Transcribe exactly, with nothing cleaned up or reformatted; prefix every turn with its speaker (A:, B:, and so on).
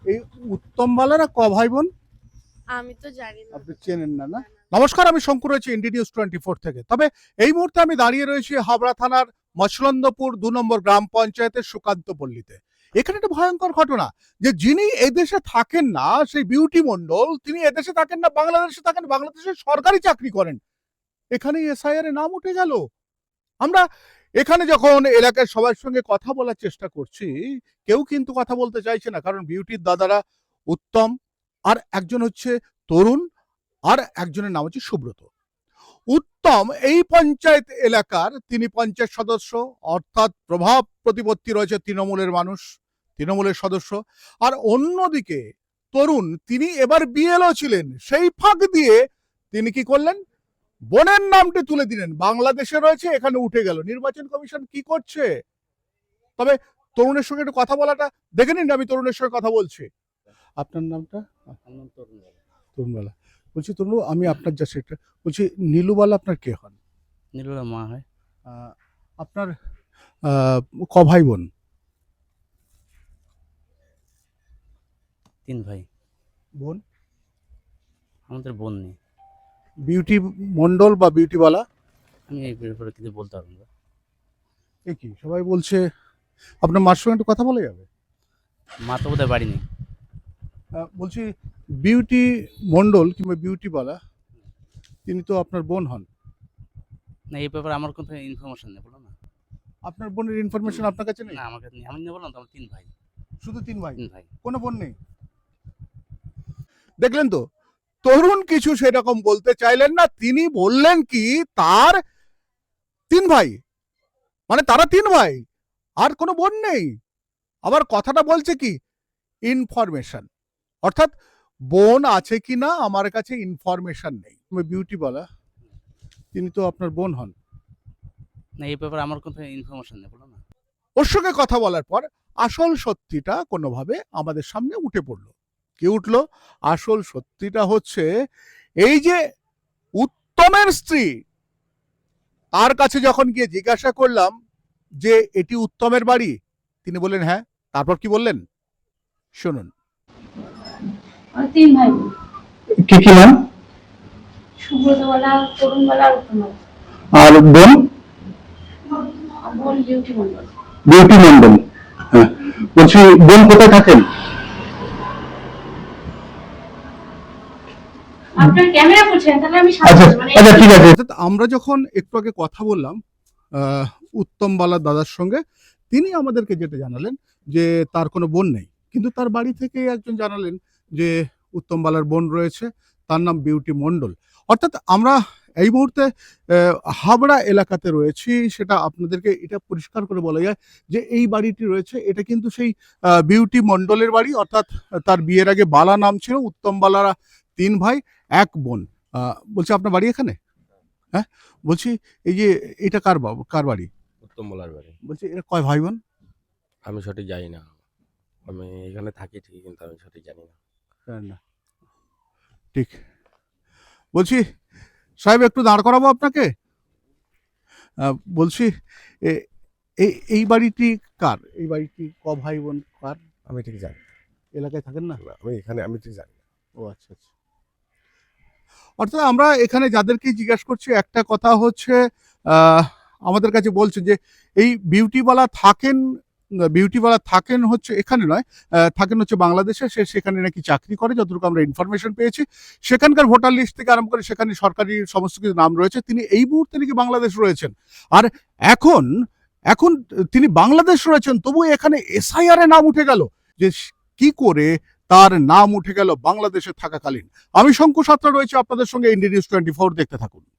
A: এই উত্তম বালারা ক ভাই বোন?
B: আমি তো জানি না।
A: আপনি চেনেন না না? নমস্কার, আমি শঙ্কর রয়েছি ইন্ডি নিউজ টোয়েন্টি ফোর থেকে। তবে এই মুহূর্তে আমি দাঁড়িয়ে রয়েছি হাবড়া থানার মছলন্দপুর দু নম্বর গ্রাম পঞ্চায়েতের সুকান্ত পল্লীতে। এখানে একটা ভয়ঙ্কর ঘটনা, যে যিনি এদেশে থাকেন না, সেই বিউটি মন্ডল, তিনি এদেশে থাকেন না, বাংলাদেশে থাকেন, বাংলাদেশে সরকারি চাকরি করেন। এখানে এসআইআর এ নাম উঠে গেল। আমরা এখানে যখন এলাকার সবার সঙ্গে কথা বলার চেষ্টা করছি, কেউ কিন্তু কথা বলতে চাইছে না, কারণ বিউটির দাদারা উত্তম, আর একজন হচ্ছে তরুণ, আর একজনের নাম হচ্ছে সুব্রত। উত্তম এই পঞ্চায়েত এলাকার তিনি পঞ্চায়েত সদস্য, অর্থাৎ প্রভাব প্রতিপত্তি রয়েছে তৃণমূলের মানুষ, তৃণমূলের সদস্য। আর অন্যদিকে তরুণ, তিনি এবার বিএলও ছিলেন, সেই ফাঁক দিয়ে তিনি কি করলেন, বোনের নামটি তুলে দিলেন, বাংলাদেশে রয়েছে, এখানে উঠে গেল। নির্বাচন কমিশন কি করছে? তবে তরুণের সঙ্গে একটু কথা বলাটা দেখে নিন, আমি তরুণের সঙ্গে কথা বলছি। আপনার নামটা? তরুণবালা। বলছি তরুণ, আমি আপনার যা সেটা বলছি, নীলুবালা আপনার কে হন?
C: নীলুরা মা হয়।
A: আহ, আপনার আহ, ক ভাই বোন?
C: তিন ভাই।
A: বোন?
C: আমাদের বোন নেই।
A: বিউটি মন্ডল বা বিউটিবালা?
C: আমি এই ব্যাপারে কিছু বলতে পারবো না।
A: এ কি সবাই বলছে? আপনার মার সঙ্গে একটু কথা বলে যাবে?
C: মা তো বোধহয় বাড়ি নেই।
A: আহ, বলছি বিউটি মন্ডল কিংবা বিউটিবালা, তিনি তো আপনার বোন হন।
C: না, এই ব্যাপারে আমার কোনো ইনফরমেশন নেই, বলো না।
A: আপনার বোনের ইনফরমেশন আপনার কাছে নেই?
C: না, আমার কাছে নেই। আমি না বললাম তো, আমার তিন ভাই।
A: শুধু তিন ভাই,
C: তিন ভাই।
A: কোনো বোন নেই? দেখলেন তো, তরুণ কিছু সেরকম বলতে চাইলেন না, তিনি বললেন কি তার তিন ভাই, মানে তারা তিন ভাই, আর কোনো বোন নেই। আবার কথাটা বলছে কি ইনফরমেশন, অর্থাৎ বোন আছে কি না আমার কাছে ইনফরমেশন নেই। বিউটি বলা, তিনি তো আপনার বোন হন।
C: না, এই ব্যাপারে আমার কোনো ইনফরমেশন নেই, বলো না।
A: ওর সঙ্গে কথা বলার পর আসল সত্যিটা কোনোভাবে আমাদের সামনে উঠে পড়লো। কি উঠলো? আসল সত্যিটা হচ্ছে এই যে উত্তমের স্ত্রী, তার কাছে যখন গিয়ে জিজ্ঞাসা করলাম যে এটি উত্তমের বাড়ি, তিনি বললেন হ্যাঁ। তারপর কি বললেন শুনুন।
D: তিন ভাই বোন।
A: কি কি নাম?
D: সুব্রতবালা, তরুণবালা, উত্তমবালা।
A: আর বোন?
D: বোন বিউটি মন্ডল।
A: বিউটি মন্ডল। হ্যাঁ, বলছি বোন কোথায় থাকেন?
D: আপনার ক্যামেরা করছেন, তাহলে আমি
A: আচ্ছা
D: সামনে মানে
A: আচ্ছা ঠিক আছে। আমরা যখন একটু আগে কথা বললাম উত্তম বালার দাদার সঙ্গে, তিনি আমাদেরকে যেটা জানালেন যে তার কোনো বোন নেই, কিন্তু তার বাড়ি থেকে একজন জানালেন যে উত্তম বালার বোন রয়েছে, তার নাম বিউটি মন্ডল। অর্থাৎ আমরা এই মুহূর্তে হাবড়া এলাকাতে রয়েছি, সেটা আপনাদেরকে এটা পরিষ্কার করে বলা যায় যে এই বাড়িটি রয়েছে, এটা কিন্তু সেই বিউটি মন্ডলের বাড়ি, অর্থাৎ তার বিয়ের আগে বালা নাম ছিল। উত্তম বালারা তিন ভাই, এক বোন। বলছি আপনার বাড়ি এখানে? হ্যাঁ, বলছি এই যে এটা কার বাবু, কার বাড়ি?
E: উত্তম বলার বাড়ি।
A: বলছি এরা কয় ভাই বোন?
E: আমি সঠিক জানি না, আমি এখানে থাকি ঠিকই, কিন্তু আমি সঠিক জানি না।
A: না ঠিক। বলছি সাহেব, একটু দাঁড় করাবো আপনাকে। বলছি এই এই বাড়িটি কার? এই বাড়িটি ক ভাই বোন কার?
E: আমি ঠিক জানি।
A: এলাকায় থাকেন না?
E: আমি এখানে আমি ঠিক জানি না।
A: ও আচ্ছা আচ্ছা। অর্থাৎ আমরা এখানে যাদেরকে জিজ্ঞাসা করছি, একটা কথা হচ্ছে আমাদের কাছে বলছে যে এই বিউটিওয়ালা থাকেন, বিউটিওয়ালা থাকেন হচ্ছে এখানে নয়, থাকেন হচ্ছে বাংলাদেশে। সে সেখানে নাকি চাকরি করে, যতটুকু আমরা ইনফরমেশন পেয়েছি। সেখানকার ভোটার লিস্ট থেকে আরম্ভ করে সেখানে সরকারি সমস্ত কিছু নাম রয়েছে। তিনি এই মুহূর্তে নাকি বাংলাদেশ রয়েছেন, আর এখন এখন তিনি বাংলাদেশ রয়েছেন, তবু এখানে এসআইআর এ নাম উঠে গেল। যে কি করে তার নাম উঠে গেল বাংলাদেশে থাকাকালীন। আমি শঙ্কু সাত্রা রয়েছে আপনাদের সঙ্গে ইন্ডি নিউজ টোয়েন্টি ফোর, দেখতে থাকুন।